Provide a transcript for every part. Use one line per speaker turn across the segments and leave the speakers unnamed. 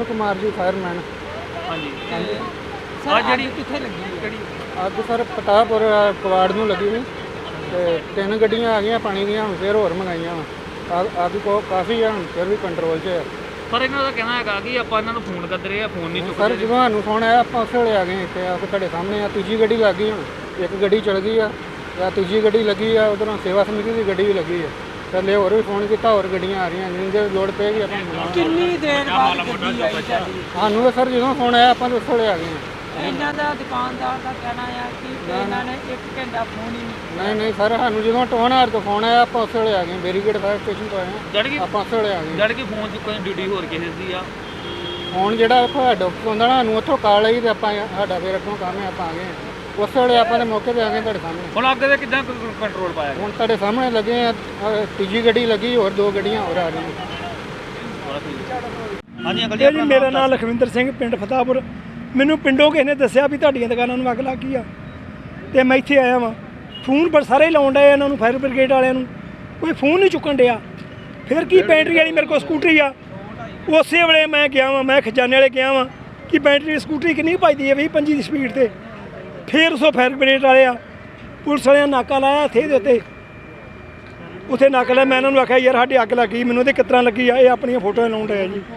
कुमार जी fireman.
हाँ जी आ जी कितने लगी
अग सर पटापुर कवाड़ में लगी हुई तो 3 गड्डियाँ आ गई पानी दी, हम फिर होर मंगाइया अग को काफ़ी है, फिर भी कंट्रोल च है।
पर इन्हों का कहना है कि आप इन्हों फोन करते रहे, फोन नहीं चुकते।
सर जो सानू फोन आया आप उस वे आ गए इतने आप तुहाडे सामने आ। तीजी गड्डी लग गई, हम एक गड्डी चल गई है या तीजी गड्डी लगी है, उधरों सेवा समिति की गड्डी भी लगी है। पहले होर भी फोन किया, होर गड्डियाँ आ रही जिनके लोड़ पेगी आप।
कितनी देर बाद गड्डी आई साडी?
सानू सर जो फोन आया आप उस वे आ गए।
ਇਹਨਾਂ ਦਾ ਦੁਕਾਨਦਾਰ ਦਾ ਕਹਿਣਾ ਆ ਕਿ ਇਹਨਾਂ ਨੇ 1 ਘੰਟਾ ਫੋਨ ਹੀ
नहीं सर सानू जो टोहनार तो फोन आया आप उस वे आ गए, बेरीगेट फायर स्टेशन तो आए
जड़ की
आप उस वे आ गए।
जड़ की फोन चुकने ड्यूटी होर किसी दी आ
फोन जो हेड ऑफिस होंगे ना उतों कॉल आई तो आपा फिर अगों काम है आप आ गए उस वे आप मौके पर आ गए तुहाडे सामने।
ਹੁਣ ਅੱਗੇ ਦੇ ਕਿੱਦਾਂ ਕੰਟਰੋਲ ਪਾਇਆ
ਹੁਣ ਤੁਹਾਡੇ ਸਾਹਮਣੇ ਲੱਗੇ ਆ, ਤੀਜੀ ਗੱਡੀ ਲੱਗੀ ਹੋਰ 2 ਗੱਡੀਆਂ ਹੋਰ ਆ ਰਹੀਆਂ।
ਹਾਂਜੀ ਅੰਕਲ
ਇਹ ਜੀ ਮੇਰਾ ਨਾਮ ਲਖਵਿੰਦਰ ਸਿੰਘ, ਪਿੰਡ ਫਤਾਪੁਰ। ਮੈਨੂੰ ਪਿੰਡੋਂ ਕਿਸੇ ਨੇ ਦੱਸਿਆ ਵੀ ਤੁਹਾਡੀਆਂ ਦੁਕਾਨਾਂ ਨੂੰ ਅੱਗ ਲੱਗ ਗਈ ਆ ਤੇ ਮੈਂ ਇੱਥੇ ਆਇਆ ਵਾਂ। ਫੋਨ ਪਰ ਸਾਰੇ ਲਾਉਣ ਡਏ ਇਹਨਾਂ ਨੂੰ, ਫਾਇਰ ਬ੍ਰਿਗੇਡ ਵਾਲਿਆਂ ਨੂੰ, ਕੋਈ ਫੋਨ ਨਹੀਂ ਚੁੱਕਣ ਡਿਆ। ਫਿਰ ਕੀ ਬੈਟਰੀ ਵਾਲੀ ਮੇਰੇ ਕੋਲ ਸਕੂਟਰੀ ਆ, ਉਸੇ ਵੇਲੇ ਮੈਂ ਗਿਆ ਵਾਂ, ਮੈਂ ਖਜ਼ਾਨੇ ਵਾਲੇ ਗਿਆ ਵਾਂ ਕਿ ਬੈਟਰੀ ਸਕੂਟਰੀ ਕਿੰਨੀ ਭੱਜਦੀ ਹੈ 20-25 ਦੀ ਸਪੀਡ ਤੇ। ਫਿਰ ਉਸੋਂ ਫਾਇਰ ਬ੍ਰਿਗੇਡ ਵਾਲੇ ਆ, ਪੁਲਿਸ ਵਾਲਿਆਂ ਨਾਕਾ ਲਾਇਆ ਇੱਥੇ ਦੇ ਉੱਤੇ, ਉੱਥੇ ਨਾਕਾ ਲਾਇਆ। ਮੈਂ ਇਹਨਾਂ ਨੂੰ ਆਖਿਆ ਯਾਰ ਸਾਡੀ ਅੱਗ ਲੱਗੀ, ਮੈਨੂੰ ਤੇ ਕਿਸ ਤਰ੍ਹਾਂ ਲੱਗੀ ਆ। ਇਹ ਆਪਣੀਆਂ ਫੋਟੋਆਂ ਲਾਉਣ ਡਏ ਜੀ।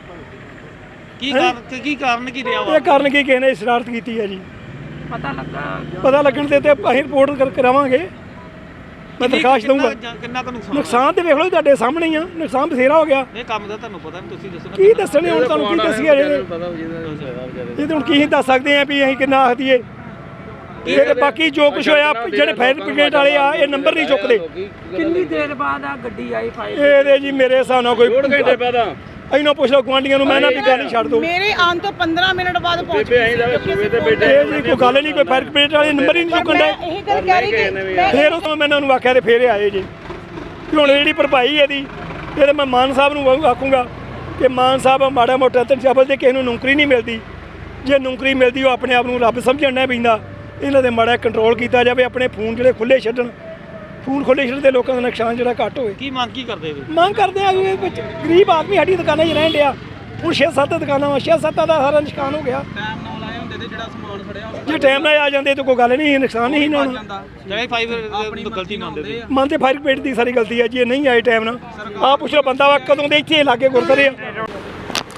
ਕੀ ਕਾਰਨ ਕੀ ਰਿਹਾ ਵਾ?
ਇਹ ਕਾਰਨ ਕੀ ਕਿਸੇ ਨੇ ਸ਼ਰਾਰਤ ਕੀਤੀ ਹੈ ਜੀ।
ਪਤਾ
ਲੱਗਣ ਤੇ ਅਸੀਂ ਰਿਪੋਰਟ ਕਰਾਵਾਂਗੇ। ਮੈਂ ਦਰਖਾਸਤ ਦਊਂਗਾ।
ਕਿੰਨਾ ਕੁ
ਨੁਕਸਾਨ ਤੇ ਵੇਖ ਲਓ ਤੁਹਾਡੇ ਸਾਹਮਣੇ ਹੀ ਆ, ਨੁਕਸਾਨ ਬਥੇਰਾ ਹੋ ਗਿਆ।
ਇਹ ਕੰਮ ਦਾ ਤੁਹਾਨੂੰ ਪਤਾ ਨਹੀਂ, ਤੁਸੀਂ ਦੱਸੋ
ਕੀ ਦੱਸਣੇ ਹੁਣ, ਤੁਹਾਨੂੰ ਕੀ ਦੱਸੀਏ ਜੇ ਇਹ ਤਾਂ ਹੁਣ ਕੀ ਦੱਸ ਸਕਦੇ ਆ ਵੀ ਅਸੀਂ ਕਿੰਨਾ ਆਖ ਦਈਏ। ਇਹ ਤੇ ਬਾਕੀ ਜੋ ਕੁਝ ਹੋਇਆ, ਜਿਹੜੇ ਫਾਇਰ ਬ੍ਰਿਗੇਡ ਵਾਲੇ ਆ ਇਹ ਨੰਬਰ ਨਹੀਂ ਚੁੱਕਦੇ।
ਕਿੰਨੀ ਦੇਰ ਬਾਅਦ ਆ ਗੱਡੀ ਆਈ ਫਾਇਰ?
ਇਹਦੇ ਜੀ ਮੇਰੇ ਹਿਸਾਬ ਨਾਲ ਕੋਈ ਘੰਟੇ ਬਾਅਦ ਇਹਨਾਂ ਪੁੱਛ ਲਓ ਗੁਆਂਢੀਆਂ ਨੂੰ, ਮੈਂ ਨਾ ਵੀ ਗੱਲ ਹੀ ਛੱਡ ਦੋ।
ਮੇਰੇ ਆਉਣ ਤੋਂ 15 ਮਿੰਟ ਬਾਅਦ ਪਹੁੰਚ ਗਏ।
ਇਹ ਜੀ ਕੋਈ ਗੱਲ ਨਹੀਂ, ਕੋਈ ਫਾਇਰ ਬ੍ਰਿਗੇਡ ਵਾਲੇ ਨੰਬਰ ਹੀ ਨਹੀਂ ਚੁੱਕਣ ਦੇ।
ਇਹੀ ਗੱਲ ਕਹਿ ਰਹੀ ਕਿ
ਫਿਰ ਉਦੋਂ ਮੈਂ ਇਹਨਾਂ ਨੂੰ ਆਖਿਆ ਤੇ ਫਿਰ ਆਏ ਜੀ। ਕਿ ਹੁਣ ਜਿਹੜੀ ਭਰਪਾਈ ਇਹਦੀ, ਇਹ ਤਾਂ ਮੈਂ ਮਾਨ ਸਾਹਿਬ ਨੂੰ ਆਖੂੰਗਾ ਕਿ ਮਾਨ ਸਾਹਿਬ ਮਾੜਾ ਮੋਟਾ ਤਨਜਾਬਲ ਦੇ ਕਿਸੇ ਨੂੰ ਨੌਕਰੀ ਨਹੀਂ ਮਿਲਦੀ, ਜੇ ਨੌਕਰੀ ਮਿਲਦੀ ਉਹ ਆਪਣੇ ਆਪ ਨੂੰ ਰੱਬ ਸਮਝਣਾ ਪੈਂਦਾ। ਇਹਨਾਂ ਦੇ ਮਾੜਾ ਕੰਟਰੋਲ ਕੀਤਾ ਜਾਵੇ, ਆਪਣੇ ਫੋਨ ਜਿਹੜੇ ਖੁੱਲ੍ਹੇ ਛੱਡਣ, ਫੋਨ ਖੁੱਲ੍ਹੇ ਛੱਡਣ ਦੇ ਲੋਕਾਂ ਦਾ ਨੁਕਸਾਨ ਜਿਹੜਾ ਘੱਟ ਹੋਵੇ।
ਕੀ ਮੰਗ ਕੀ ਕਰਦੇ ਹੋ?
ਮੰਗ ਕਰਦੇ ਆ ਵੀ ਵਿੱਚ ਗਰੀਬ ਆਦਮੀ ਸਾਡੀ ਦੁਕਾਨਾਂ 'ਚ ਰਹਿਣ ਡਿਆ। ਹੁਣ 6-7 ਦੁਕਾਨਾਂ ਵਾ, 6-7 ਦਾ ਸਾਰਾ ਨੁਕਸਾਨ ਹੋ ਗਿਆ। ਜੇ ਟਾਈਮ ਨਾਲ ਆ ਜਾਂਦੇ ਤਾਂ ਕੋਈ ਗੱਲ ਨਹੀਂ, ਨੁਕਸਾਨ ਨਹੀਂ ਇਹਨਾਂ ਨੂੰ।
ਜਿਹੜੇ ਫਾਈਵ ਗਲਤੀ ਮੰਨਦੇ ਸੀ,
ਮੰਨਦੇ ਫਾਇਰ ਬ੍ਰਿਗੇਡ ਦੀ ਸਾਰੀ ਗਲਤੀ ਹੈ ਜੀ। ਇਹ ਨਹੀਂ ਆਏ ਟਾਈਮ ਨਾਲ। ਆਹ ਪੁੱਛ ਲਓ ਬੰਦਾ ਵਾ ਕਦੋਂ ਦੇ ਇੱਥੇ ਲਾਗੇ ਗੁਰਦੁਆਰੇ ਆ।